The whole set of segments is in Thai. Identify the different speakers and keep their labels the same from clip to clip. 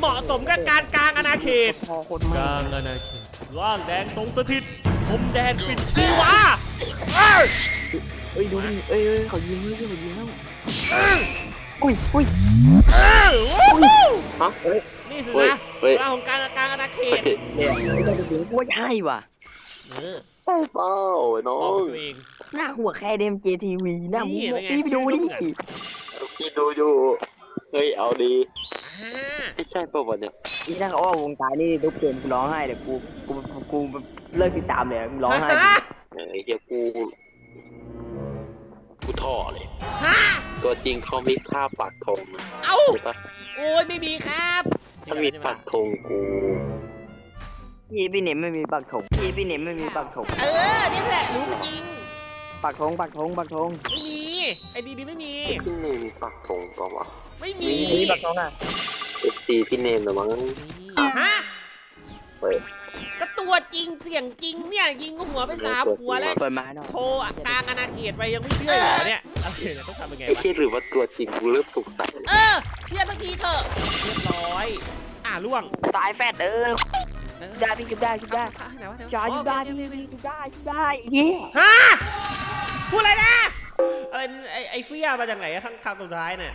Speaker 1: มาะสมกับการกลางอาณาเขต
Speaker 2: พอคน
Speaker 1: ก
Speaker 2: มา
Speaker 1: ลางอาณาเขตร่างแดงทรงสถิตผมแดนปิดชีวาเอ้ย
Speaker 2: เอ้ยดูดิเอ้ยเขายิงแล้วเขายิงแล้วอุ้ย
Speaker 3: ฮะ
Speaker 1: นี่สิ
Speaker 3: เฮ้ย
Speaker 1: นะ
Speaker 3: เฮ้ย
Speaker 1: ร่างของการกลางอาณาเขต
Speaker 2: เนี่ยไม่ได้ยิงกูว่าใช่ว่ะ
Speaker 1: เออ
Speaker 3: เป้าน้อ
Speaker 1: บอก
Speaker 3: ง
Speaker 1: ตัวเอง
Speaker 2: หน้าหัวแค่เดมเจทีวีหน้ามึง
Speaker 1: นี่เป็นไง
Speaker 2: พี่ไปดูดิ
Speaker 3: พี่ดูอยู่เฮ้ยเอาดี
Speaker 1: อ่า
Speaker 3: ไม่ใช่ป่าวะเนี่ย
Speaker 2: นี่ถ้าเขาว่าวงตายนี่ทุกเกมกูร้องไห้เดี๋ยวกูเลิกติดตามเลยร้องไห้
Speaker 3: ไอ้เหี้ยกูท่อเลย
Speaker 1: ฮะ
Speaker 3: ตัวจริงเขามีค่าปักธงนะ
Speaker 1: เอ้า
Speaker 3: ใช่ปะ
Speaker 1: โอ้ยไม่มีครับ
Speaker 3: ถ้ามีปักธงกู
Speaker 2: พี่เนมไม่มีปักถงพี่เนมไม่มีปักถง
Speaker 1: เออนี่แหละรู้จริง
Speaker 2: ปักถง
Speaker 1: ไม่มีไอ้ดีไม่มี
Speaker 3: พี่เนมมีปักธงป่าวะ
Speaker 1: ไม่มี
Speaker 2: มีปักถงอ่ะ
Speaker 3: FC พี่เนมเหรือมั้ง
Speaker 1: ฮะ
Speaker 3: เฮ้ย
Speaker 1: ก็ตัวจริงเสียงจริงเนี่ยยิงหัวไป3 หัวแล้ว
Speaker 2: เปิดมาหน่อย
Speaker 1: โทรกลางอาณาเขตไปยังไม่เชื่อเหรอเนี่ยอะไรเนี่ยต้องทำยังไง
Speaker 3: ไอ้
Speaker 1: วะ
Speaker 3: เหี้ยหรือว่าตัวจริงกูเริ่มสงสัย
Speaker 1: เออเชื่อสักทีเถอะเรียบร้อยล่วง
Speaker 2: ตายแฟดได้พี่ได้
Speaker 1: ไหนวะ
Speaker 2: จ่ายได้เย้
Speaker 1: ฮะพูดอะไรนะอะไรไอ้เฟี้ยมาจากไหนข้างสุดท้ายเนี่ย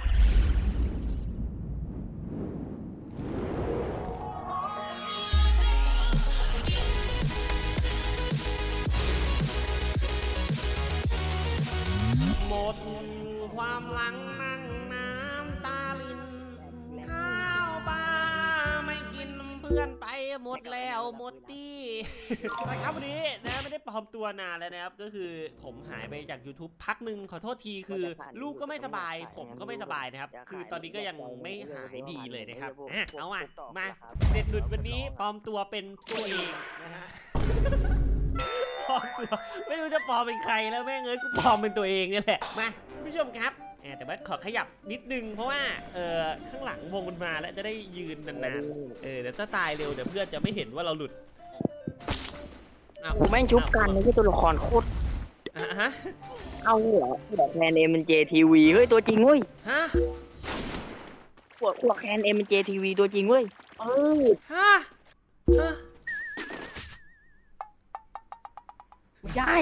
Speaker 1: หมดความหลังนั่งน้ำตาลินข้าวปลาไม่กินเพื่อนไปหมดแล้วหมดตี้นะครับวันนี้นะไม่ได้ปลอมตัวนานแล้วนะครับก็คือผมหายไปจาก YouTube พักหนึ่งขอโทษทีคือลูกก็ไม่สบายผมก็ไม่สบายนะครับคือตอนนี้ก็ยังไม่หายดีเลยนะครับเอามาเด็ดหลุดวันนี้ปลอมตัวเป็นตัวเองนะฮะปลอมตัวไม่รู้จะปลอมเป็นใครแล้วแม่งเอ้ยกูปลอมเป็นตัวเองนี่แหละมาผู้ชมครับแต่ว่าขอขยับนิดนึงเพราะว่าข้างหลังวงมันมาแล้วจะได้ยืนนานๆเดี๋ยวถ้าตายเร็วเดี๋ยวเพื่อนจะไม่เห็นว่าเราหลุด
Speaker 2: กูแม่งชุบกันนี่คือตัวละครโคตร
Speaker 1: ฮะ
Speaker 2: เอาเหรอหัวแคนเอ็มเป็น JTV เฮ้ยตัวจริงเว้ย
Speaker 1: ฮะ
Speaker 2: หัวแคนเอ็มเป็น JTV ตัวจริงเว้ย
Speaker 1: ฮะ
Speaker 2: ใช่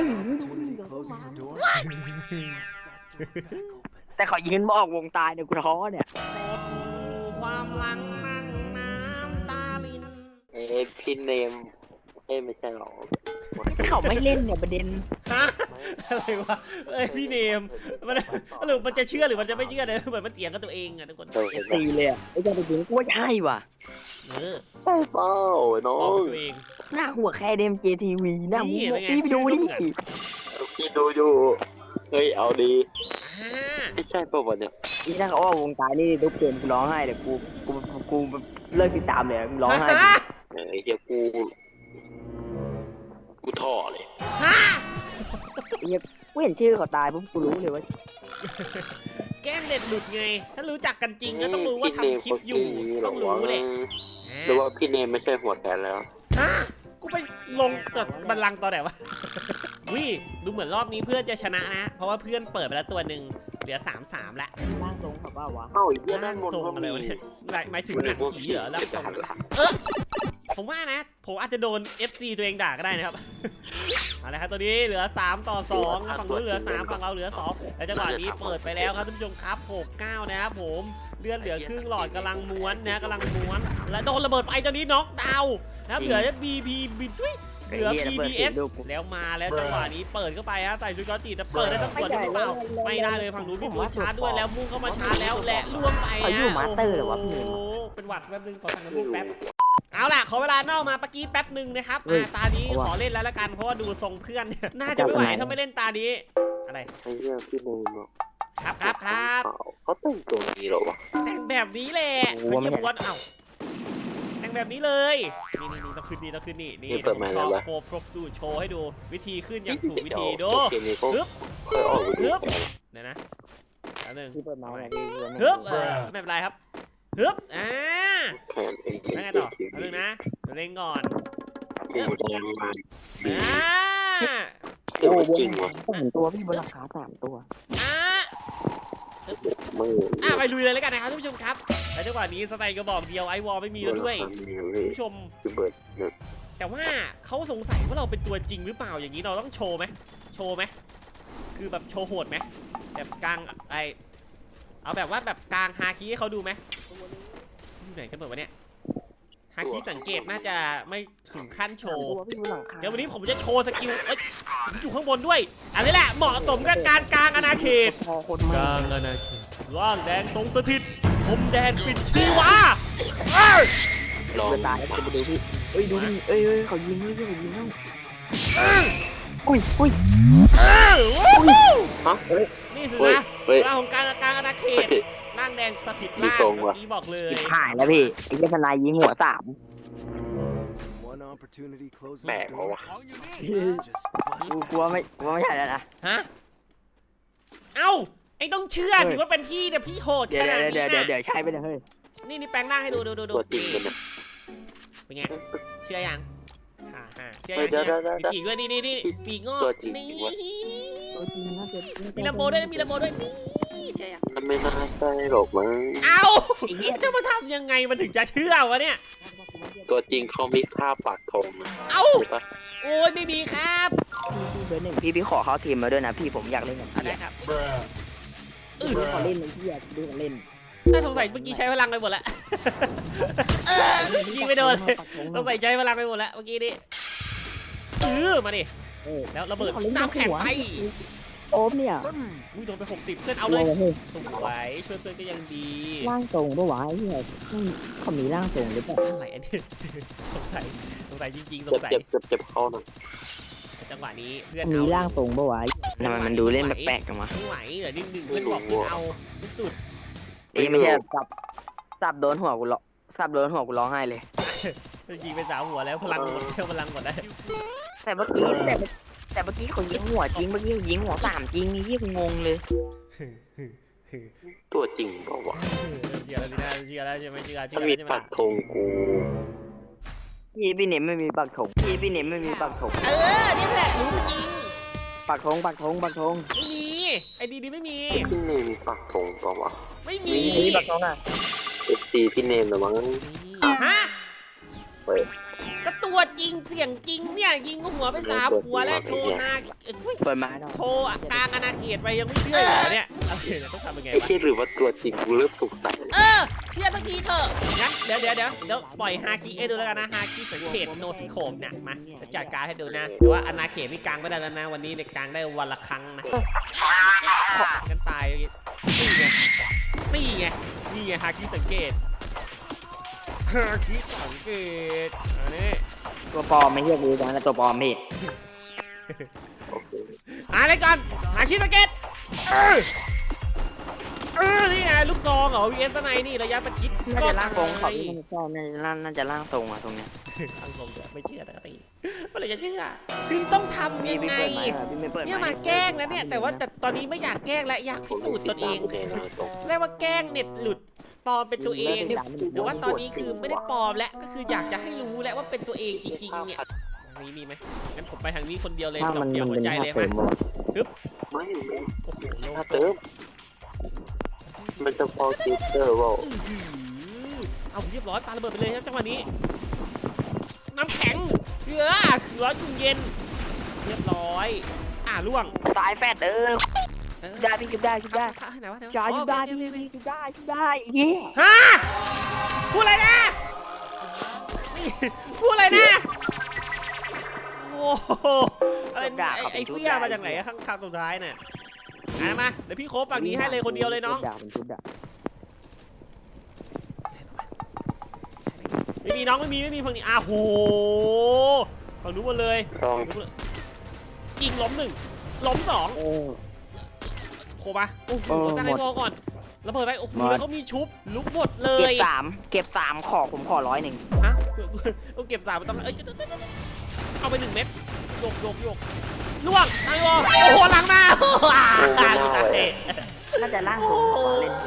Speaker 2: แต่เขายืนมาออกวงตายเนี่ยกูท้อเนี่ย
Speaker 1: ความหลังนั่งน้ำตาลิน
Speaker 3: พี่เนมไม่ใช่หรอ
Speaker 2: เขาไม่เล่นเนี่ยประเด็น
Speaker 1: ฮะอะไรวะพี่เนมมันหรือมันจะเชื่อหรือมันจะไม่เชื่อเนี่ยเหมือนมันเถียงกับตัวเองอะทุกคน
Speaker 2: ตีเลยอ่ะไอ้เจ้าตัวจริงกูว่าใช่ว่ะ
Speaker 3: เป้าน้อ
Speaker 1: บอก
Speaker 3: ง
Speaker 1: ตัวเอง
Speaker 2: หน้าหัวแค่เดม JTV หน้ามึง
Speaker 1: นี่เป็นไง
Speaker 2: พี่ไปดูดิ
Speaker 3: พี่ดูอยู่เฮ้ยเอาดี
Speaker 1: อ่า
Speaker 3: ไม่ใช่ป่าวะเนี่ย
Speaker 2: นี่ถ้าเขาว่าวงตายนี่ทุกเกมกูร้องไห้เดี๋ยวกูเลิกติดตามเลยร้องไห้
Speaker 3: ไอ้เหี้ยกูท่อเลย
Speaker 1: ฮะ
Speaker 2: กูเห็นชื่อเขาตายปุ๊บกูรู้เลยว่า
Speaker 1: แกล้งเด็ดหลุดไงถ้ารู้จักกันจริงก็ต้องรู้ว่าทำคลิปอยู่ต้องรู้แหละ
Speaker 3: หรือว่าพี่เนมไม่ใช่หัวแกนแล้ว
Speaker 1: ฮะกูไปลงจากบัลลังก์ตอนไหนวะวิดูเหมือนรอบนี้เพื่อนจะชนะนะเพราะว่าเพื่อนเปิดไปแล้วตัวหนึ่งเหลือ3-3ละ
Speaker 2: ร่างทรงแบบว่าวะ
Speaker 3: เอ้าไอ้เหี้ย
Speaker 1: ร่างทรงอะไรวะเนี่ยหมายถึงหนังผีเหรอร่างทรงผมว่านะผมอาจจะโดน FC ตัวเองด่าก็ได้นะครับเอาละครับตัวนี้เหลือ3-2ฝั่งนู้นเหลือ3ฝั่งเราเหลือ2แล้วจังหวะนี้เปิดไปแล้วครับท่านผู้ชมครับ6-9นะครับผมเลือดเหลือครึ่งหลอดกำลังม้วนนะกำลังม้วนและโดนระเบิดไปตอนนี้น็อกดาวน์นะครับเหลือ BP บิดเหลือ PBS แล้วมาแล้วจังหวะนี้เปิดเข้าไปฮะใส่ชุดกอจีแต่เปิดได้ทั้งส่วนหรือเปล่าไม่ได้เลยฝั่งนู้นมีปืนชาร์จด้วยแล้วมุ่งเข้ามาชาร์จแล้วและล่วงไปฮะโอ้โหเป็นหวัดแป๊บนึงขอสั่งน้ำมูกแป๊บเอาล่ะขอเวลานอกมาเมื่อกี้แป๊บนึงนะครับตานี้ขอเล่นแล้วละกันเพราะว่าดูทรงเพื่อนน่าจะไม่ไหวถ้าไม่เล่นตานี้อะไร
Speaker 3: ไอ้เหี้ยพี่เนมเนาะ
Speaker 1: ครับ
Speaker 3: เขาแต่งตัวนี้เหรอวะ
Speaker 1: แต่งแบบนี้แหละเป็นเยี่ยมวนเอ้าแต่งแบบนี้เลยนี่ต้องขึ้นนี่ชอบโฟร์พรบดูโชว์ให้ดูวิธีขึ้นอย่างถูกวิธีดูฮึบฮึบเดี๋ยวนะแล้วนึง
Speaker 2: ที่เปิดมาเนี่ย
Speaker 1: ฮึบไม่เป็นไรครับฮึบ
Speaker 3: แขนเอง
Speaker 1: แล้วไงต่อแล้วนึงนะเล่นก่อน
Speaker 3: หมูแดงมา
Speaker 1: อ่า
Speaker 3: เดี๋ยวจริงวะ
Speaker 2: 3 ตัวพี่บนราคา3 ตัว
Speaker 3: มือ
Speaker 1: ไปลุยเลยแล้วกันนะครับท่านผู้ชมครับและจังหวะนี้สไตล์กระบอกเดียวไอวอลไม่มีแล้วด้วยท่านผู้ชม
Speaker 3: คือเบิร์ด
Speaker 1: แต่ว่าเขาสงสัยว่าเราเป็นตัวจริงหรือเปล่าอย่างนี้เราต้องโชว์ไหมคือแบบโชว์โหดไหมแบบกลางเอาแบบว่าแบบกลางฮาคิให้เขาดูไหมอยู่ไหนกันหมดวะเนี่ยฮาคิสังเกตน่าจะไม่ถึงขั้นโชว์เดี๋ยววันนี้ผมจะโชว์สกิลผมอยู่ข้างบนด้วยอันนี้แหละเหมาะสมกับการกลางอาณาเขต
Speaker 2: พอคน
Speaker 1: ก
Speaker 2: มา
Speaker 1: ลางอาณาเขตร่างแดงทรงสถิตผมแดนปิดชีวา
Speaker 3: ลอง
Speaker 2: ตายแล้วจะไปดูพี่เอ้ยดูดิเอ้ยเขายิงเฮ้ยเขายิงแล้วอุ้ย
Speaker 1: นี่สิ
Speaker 3: เฮ้ย
Speaker 1: นะ
Speaker 3: เฮ้ย
Speaker 1: เวลาของการกลางอาณาเขตร่างแดงสถิต
Speaker 3: มี
Speaker 1: ล่าง
Speaker 3: ทรง
Speaker 1: เมื่
Speaker 3: ว่ะ
Speaker 1: อกี้บอกเลย
Speaker 2: หายแล้วพี่ไอ้เจ้าทนายยิงหัว3
Speaker 3: แปลกวะ
Speaker 2: กูกลัวไม่ใช่แล้วนะ
Speaker 1: ฮะเอ้าไอ้ต้องเชื่อถือว่าเป็นพี่แต่พี่โหด
Speaker 2: เดี๋
Speaker 1: ข
Speaker 2: ยว
Speaker 1: นาดนี้
Speaker 2: เดี๋ยว
Speaker 1: นะ
Speaker 2: ใช่ไปเลยเฮ้ย
Speaker 1: นี่แปลงร่างให้ดู
Speaker 3: ตัวจริงกันนะ
Speaker 1: เป็นไงเชื่อยังเชื่อ
Speaker 3: เฮ้ย
Speaker 1: ยัง
Speaker 3: เดี๋ยว
Speaker 1: มีปีกด้วยนี่ปีกงอก
Speaker 3: ตัวจริง
Speaker 1: นี่
Speaker 3: วะ
Speaker 1: มีลำโบด้วยนี่เชื่อยัง
Speaker 3: มันไม่น่าใช่หรอกมั้ง
Speaker 1: เอ้าจะมาทำยังไงมันถึงจะเชื่อวะเนี่ย
Speaker 3: ตัวจริงเขามีค่าปักธงนะ
Speaker 1: เอ้า
Speaker 3: ใช่ปะ
Speaker 1: โอ้ยไม่มีครับ
Speaker 2: พี่เบอร์ 1พี่ขอเข้าทีมมาด้วยนะพี่ผมอยากเล่นกับพี่
Speaker 1: ได้ครับ
Speaker 2: ดูเขาเล่นเลยพี่อยากดูเขาเล่น
Speaker 1: น่าสงสัยเมื่อกี้ใช้พลังไปหมดแล้วยิงไม่โดนเลยสงสัยใช้พลังไปหมดแล้วเมื่อกี้นี้มาดิแล้วระเบิดน้ำแข็งไป
Speaker 2: โอ๊บเนี่ย
Speaker 1: อุ้ยโดนไป60เพื่อนเอาเลยสวยช่วยเพื่อนก็ยังดี
Speaker 2: ร่างทรงปะวะไอ้เหี้ยเขามีร่างทรงหรือเปล่า
Speaker 1: อะไรอันนี้สงสัยจริงๆสงสัย
Speaker 3: เจ็บเข้าหน่อย
Speaker 1: จังหวะนี้เพื่อน
Speaker 2: มี
Speaker 1: เอา
Speaker 2: ร่างทรงปะวะทำไมมันดูเล่นแปลกๆกันวะ
Speaker 1: ไม่ไหวเหรอ1-1เพื่อนบอกเพื่อนเอาที่สุด
Speaker 2: นี่ไม่ใช่สับโดนหัวกูร้องไห้เลย
Speaker 1: ยิงไป3 หัวแล้วพลังหมดพลังหมดแล้ว
Speaker 2: แต่เมื่อกี้เขายิงหัวจริงเมื่อกี้ยิงหัว3จริงนี่กูงงเลย
Speaker 3: ตัวจริงเปล่าวะ
Speaker 1: เชื่อแล้วสินะเชื่อแล้วใช่ไหมเชื่อ
Speaker 3: ถ้ามี
Speaker 1: ใช่ไหม
Speaker 3: ปักธงกู
Speaker 2: พี่เนมไม่มีปักธง
Speaker 1: นี่แหละรู้จริง
Speaker 2: ปักธง
Speaker 1: ไม่มีไอ้ดีไม่มี
Speaker 3: พี่เนมมีปักธงเปล่าวะ
Speaker 1: ไม่มี
Speaker 2: มีปักธงอ่ะ
Speaker 3: FC พี่เนมเหรอมั้ง
Speaker 1: ฮะ
Speaker 3: เฮ้ย
Speaker 1: ก็ตัวจริงเสียงจริงเนี่ยยิงหัวไป3 หัวแล้วโชว์
Speaker 2: เปิดมาหน่อย
Speaker 1: โชว์กลางอาณาเขตไปยังไม่เชื่อเหรอเนี่ยอะไรเนี่ยต้องทำยังไง
Speaker 3: ไอ้
Speaker 1: วะ
Speaker 3: เชี่ยหรือว่าตัวจริงกูเริ่มสงสัย
Speaker 1: เชื่อสักทีเถอะงั้นเดี๋ยวปล่อยฮาคิดูแล้วกันนะฮาคิสังเขตโนซิโคมเนี่ยมาจัดการให้ดูนะแต่ว่าอาณาเขตนี่กลางไม่ได้แล้วนะวันนี้ในกลางได้วันละครั้งนะกันตายนี่ไงฮาคิสังเกตอันนี้
Speaker 2: ตัวปลอมไม่ใช่กูนะตัวปลอมพี่
Speaker 3: โอเค
Speaker 1: อะไรก่อนฮาคิสังเกตนี่ไงลูกซองเหรอ VS ในนี่ระยะประชิด
Speaker 2: น่าจะร่างทรงเขาที่มันชอบน่าจะร่างทรงอ่ะตรงเนี้ย
Speaker 1: ร่างทรงไม่เชื่อแต่ก็ตีเมื่อไรจะเชื่อคือต้องทำยังไงเนี่ยมาแกล้งนะเนี่ยแต่ตอนนี้ไม่อยากแกล้งและอยากพิสูจน์ตนเองเรียกว่าแกล้งเน็ตหลุดปลอมเป็นตัวเองแต่ว่าตอนนี้คือไม่ได้ปลอมแล้วก็คืออยากจะให้รู้แล้วว่าเป็นตัวเองจริงๆเนี่ยมีไหมงั้นผมไปทางนี้คนเดียวเลย
Speaker 2: ถ้ามัน
Speaker 1: เดี่ยวหัว
Speaker 2: เป็น
Speaker 1: ใจ
Speaker 2: ท่า
Speaker 1: เลย
Speaker 2: เติ
Speaker 1: มาม
Speaker 3: ไม่
Speaker 1: โอ้โหโล
Speaker 3: ถ้าเติมมันจะพอคิดเตอร์ว่า
Speaker 1: เอาเรียบร้อยปาระเบิดไปเลยครับจังหวะนี้น้ำแข็งร้อนเย็นเรียบร้อยล่วง
Speaker 2: ตายแฟดได้พี่จุดได้
Speaker 1: ไหนวะ
Speaker 2: จ่ายจุดได้เฮีย
Speaker 1: ฮะพูดอะไรนะพูดอะไรนะโอ้โหอะไรไอ้เฟี้ยมาจากไหนข้างสุดท้ายเนี่ยมาเดี๋ยวพี่โค้ชฝั่งนี้ให้เลยคนเดียวเลยน้องไม่มีน้องไม่มีฝั่งนี้โหฝั่งนู้นหมดเลย
Speaker 3: ลอง
Speaker 1: ยิงล้ม1ล้ม2โคมาโอ้โหตั้งให้พอก่อนระเบิดไปโอ้โหแล้วเขามีชุบลุกหมดเลย
Speaker 2: เก็บ3ผมขอ100
Speaker 1: ฮะต้องเก็บ3มันต้องเอาไป1 เม็ดโยกล่วงตั้งให้พอโอ้โหหลังมา
Speaker 2: น่าจะร่างทรงเล่น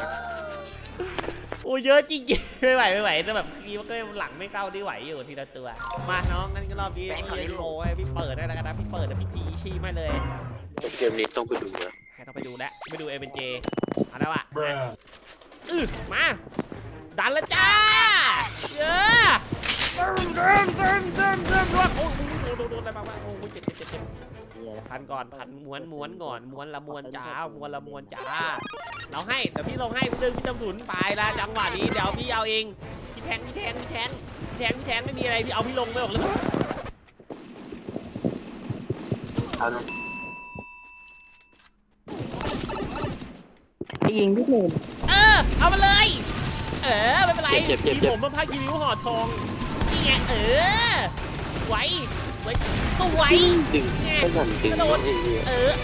Speaker 1: โอ้เยอะจริงๆไม่ไหวแต่แบบพี่ว่าก็หลังไม่เข้าได้ไหวอยู่ทีละตัวมาน้องงั้นก็รอบนี้พี่โอ้ยพี่เปิดได้แล้วกันนะพี่เปิดแล้วพี่ชี้มาเลย
Speaker 3: เกมนี้ต้องไปดูนะ
Speaker 1: ฮไม่ต้องไปดูแล้วไม่ดูเอเนเจเอาแล้วอะมาดันแล้วจ้าเยอะเดินโอ้โหโดนอะไรบ้างวะโอ้โหเจ็บพันก่อนพันม้วนก่อนม้วนละม้วนจ้าม้วนละม้วนจ้าเราให้เดี๋ยวพี่ลงให้พี่จำถุนไปละจังหวะนี้เดี๋ยวพี่เอาเองพี่แทงไม่มีอะไรพี่เอาพี่ลงไปหมดเลย
Speaker 2: ยิงพี่หนุ่ม
Speaker 1: เอามาเลยไม่เป็นไรทีผมมันพักยีริ้วห่อทองนี่ไงไว้ก็ไว้
Speaker 3: ดึงก็สั่นดึงน้องเองเนี่ย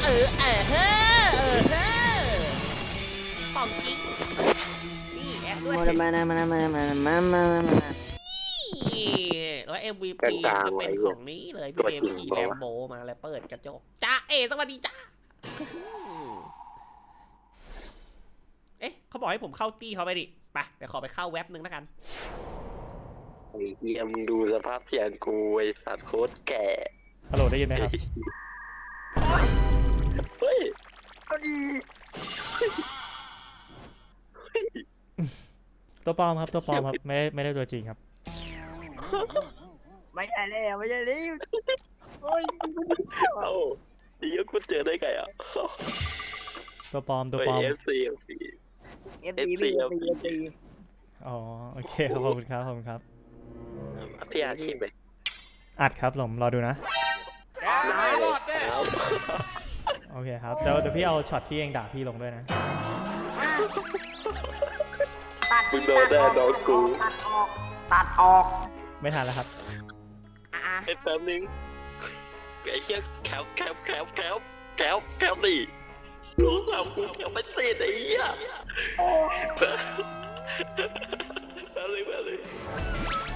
Speaker 1: ป่องจริงนี่แอดด้วย
Speaker 2: มา
Speaker 1: แล้ว MVP จะเป็นของนี้เลยพี่เอ็มขี่แลมโบมาแล้วเปิดกระจกจ้าสวัสดีจ้าเขาบอกให้ผมเข้าตี้เขาไปดิไปเดี๋ยวขอไปเข้าเว็บนึงแล้วกัน
Speaker 3: ไอ้เยี่ยมดูสภาพเสียงกูไอ้สัตว์โคตรแก่
Speaker 4: ฮัลโหลได้ยินไหมครับ
Speaker 3: เฮ้ย
Speaker 4: ตัวปลอมครับตัวปลอมครับไม่ได้ตัวจริงครับ
Speaker 2: ไม่ใช่แล้วโอ้ย
Speaker 3: เอ้าไอ้เหี้ยกูเจอได้ไงอ่ะ
Speaker 4: ตัวปลอม
Speaker 3: FC
Speaker 4: อ๋อโอเคครับขอบคุณครับ
Speaker 3: พี่อาชีพไป
Speaker 4: อัดครับผมรอดูนะ
Speaker 3: ได้เลยครับ
Speaker 4: โอเคครับเดี๋ยวพี่เอาช็อตที่เองด่าพี่ลงด้วยนะ
Speaker 3: มึงโดนแน่น้องกู
Speaker 2: ตัดออก
Speaker 4: ไม่ทันแล้วครับ
Speaker 3: ไอ้แป๊บนึงไอ้เหี้ยแคปดิรู้สาวกูแคปไม่ติดไอ้เหี้ยแป๊บนึง